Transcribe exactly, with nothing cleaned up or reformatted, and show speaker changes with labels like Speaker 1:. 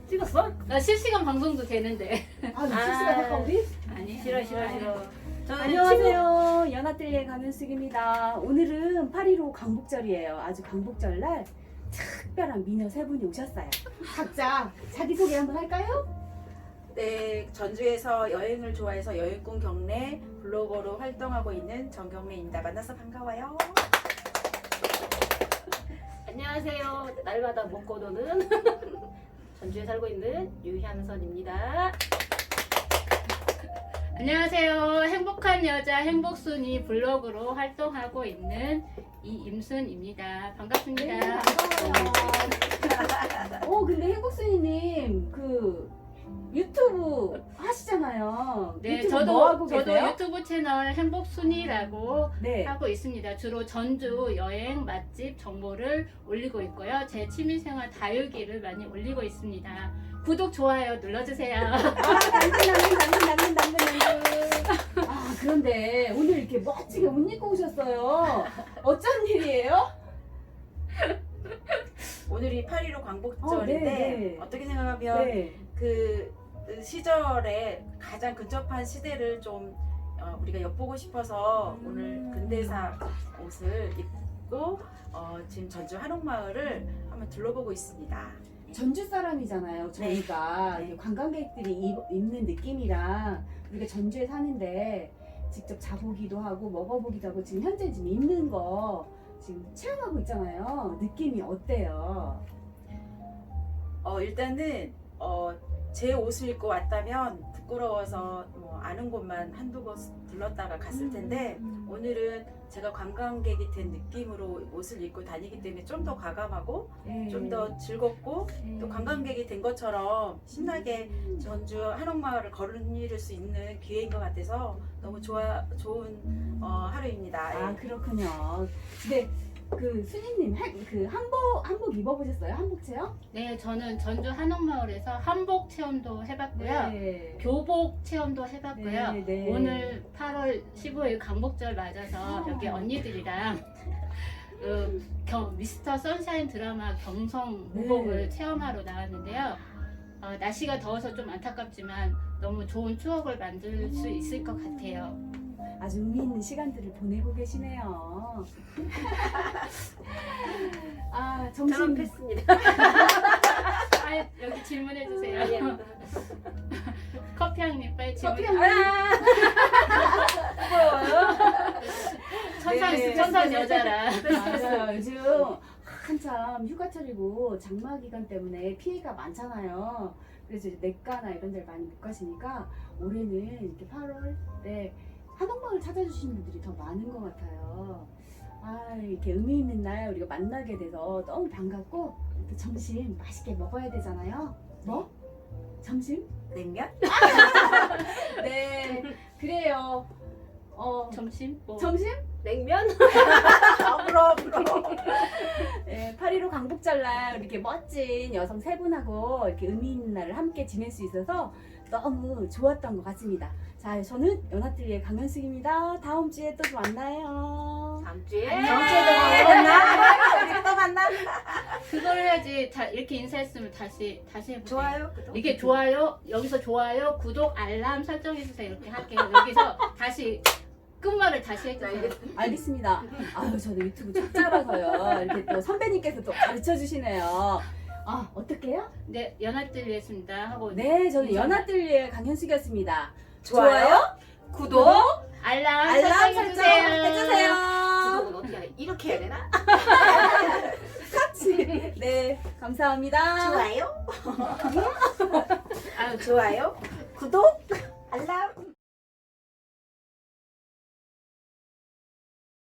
Speaker 1: 찍었어?
Speaker 2: 나 실시간 방송도 되는데.
Speaker 1: 아, 실시간 할까 우리?
Speaker 2: 아니
Speaker 1: 싫어 싫어 싫어.
Speaker 3: 저는
Speaker 1: 안녕하세요. 연아뜰리의 강현숙입니다. 오늘은 팔일오 광복절이에요. 아주 광복절날 특별한 미녀 세 분이 오셨어요. 각자 자기소개 한번 할까요?
Speaker 3: 네, 전주에서 여행을 좋아해서 여행꾼 경례 블로거로 활동하고 있는 정경래입니다. 만나서 반가워요.
Speaker 4: 안녕하세요. 날마다 먹고 노는 전주에 살고 있는 유향선입니다.
Speaker 2: 안녕하세요. 행복한 여자 행복순이 블로그로 활동하고 있는 이임순입니다. 반갑습니다.
Speaker 1: 네, 반가워요. 오, 근데 행복순이님 그 유튜브 하시잖아요.
Speaker 2: 네,
Speaker 1: 유튜브
Speaker 2: 저도
Speaker 1: 뭐 하고
Speaker 2: 저도
Speaker 1: 계세요?
Speaker 2: 유튜브 채널 행복순이라고
Speaker 1: 네.
Speaker 2: 하고 있습니다. 주로 전주 여행 맛집 정보를 올리고 있고요. 제 취미생활 다육이를 많이 올리고 있습니다. 구독 좋아요 눌러주세요.
Speaker 1: 아, 당근 당근 당근 당근 당근 당근. 아, 그런데 오늘 이렇게 멋지게 옷 입고 오셨어요. 어쩐 일이에요?
Speaker 3: 오늘이 팔일오 광복절인데
Speaker 1: 어, 네, 네.
Speaker 3: 어떻게 생각하면
Speaker 1: 네.
Speaker 3: 그 시절에 가장 근접한 시대를 좀 어, 우리가 엿보고 싶어서
Speaker 1: 음.
Speaker 3: 오늘 근대사 옷을 입고 어, 지금 전주 한옥마을을 한번 둘러보고 있습니다.
Speaker 1: 전주 사람이잖아요. 저희가
Speaker 3: 네.
Speaker 1: 이게 관광객들이 입, 입는 느낌이랑 우리가 전주에 사는데 직접 자보기도 하고 먹어보기도 하고 지금 현재 지금 입는 거 지금 체험하고 있잖아요. 느낌이 어때요?
Speaker 3: 어, 일단은 어, 제 옷을 입고 왔다면 부끄러워서 뭐 아는 곳만 한두 곳 들렀다가 갔을 텐데
Speaker 1: 음.
Speaker 3: 오늘은 제가 관광객이 된 느낌으로 옷을 입고 다니기 때문에 좀 더 과감하고
Speaker 1: 네.
Speaker 3: 좀 더 즐겁고
Speaker 1: 네.
Speaker 3: 또 관광객이 된 것처럼 신나게 전주 한옥마을을 걸을 수 있는 기회인 것 같아서 너무 좋아 좋은 어, 하루입니다.
Speaker 1: 아,
Speaker 3: 예.
Speaker 1: 그렇군요. 근데 그 순이님 한- 그 한복 한복 입어보셨어요? 한복 체험?
Speaker 2: 네, 저는 전주 한옥마을에서 한복 체험도 해봤고요.
Speaker 1: 네.
Speaker 2: 교복 체험도 해봤고요.
Speaker 1: 네, 네.
Speaker 2: 오늘 팔월 십오일 광복절 맞아서
Speaker 1: 어.
Speaker 2: 여기 언니들이랑 그 경- 미스터 선샤인 드라마 경성
Speaker 1: 네.
Speaker 2: 무복을 체험하러 나왔는데요. 어, 날씨가 더워서 좀 안타깝지만 너무 좋은 추억을 만들 수 있을 것 같아요.
Speaker 1: 아주 의미 있는 시간들을 보내고 계시네요. 아, 점심
Speaker 4: 저는 패스입니다.
Speaker 2: 아, 여기 질문해 주세요.
Speaker 4: 아니야.
Speaker 2: 커피 한 입 빨리 질문.
Speaker 1: 커피 한
Speaker 2: 천상
Speaker 3: 네.
Speaker 2: 천상 여자라.
Speaker 1: 맞아요. 요즘 한참 휴가철이고 장마 기간 때문에 피해가 많잖아요. 그래서 이제 내과나 이런 데를 많이 못 가시니까 올해는 이렇게 팔월에 한옥마을 찾아주시는 분들이 더 많은 것 같아요. 아, 이렇게 의미 있는 날 우리가 만나게 돼서 너무 반갑고 또 점심 맛있게 먹어야 되잖아요. 뭐? 점심?
Speaker 3: 냉면?
Speaker 1: 네, 그래요. 어,
Speaker 2: 점심? 뭐.
Speaker 1: 점심?
Speaker 4: 냉면?
Speaker 3: 아, 부러워 부러워.
Speaker 1: 네, 팔일오 광복절날 이렇게 멋진 여성 세 분하고 이렇게 의미 있는 날을 함께 지낼 수 있어서 너무 좋았던 것 같습니다. 자, 저는 연아뜰리의 강현숙입니다. 다음 주에 또 만나요.
Speaker 4: 다음 주에
Speaker 3: 다음 주에도 만나? 우리 또 만나?
Speaker 2: 그걸 해야지. 다 이렇게 인사했으면 다시 다시 해보세요.
Speaker 3: 좋아요. 구독.
Speaker 2: 이게 좋아요. 여기서 좋아요, 구독, 알람 설정해 주세요. 이렇게 할게요. 여기서 다시 끝말을 다시 해주세요.
Speaker 1: 알겠습니다. 아유, 저도 유튜브 족자라서요. 이렇게 또 선배님께서 또 가르쳐 주시네요. 아, 어떡해요?
Speaker 2: 네, 연합들이었습니다. 하고
Speaker 1: 네, 저는
Speaker 2: 인사.
Speaker 1: 연아뜰리의 강현숙이었습니다.
Speaker 3: 좋아요.
Speaker 1: 구독,
Speaker 2: 알람,
Speaker 1: 알람
Speaker 2: 설정해
Speaker 1: 설정
Speaker 2: 주세요.
Speaker 1: 해주세요.
Speaker 4: 구독은 어떻게 해야 돼? 이렇게 해야 되나?
Speaker 1: 같이. 네, 감사합니다.
Speaker 3: 좋아요.
Speaker 2: 아유,
Speaker 3: 좋아요. 구독. 알람.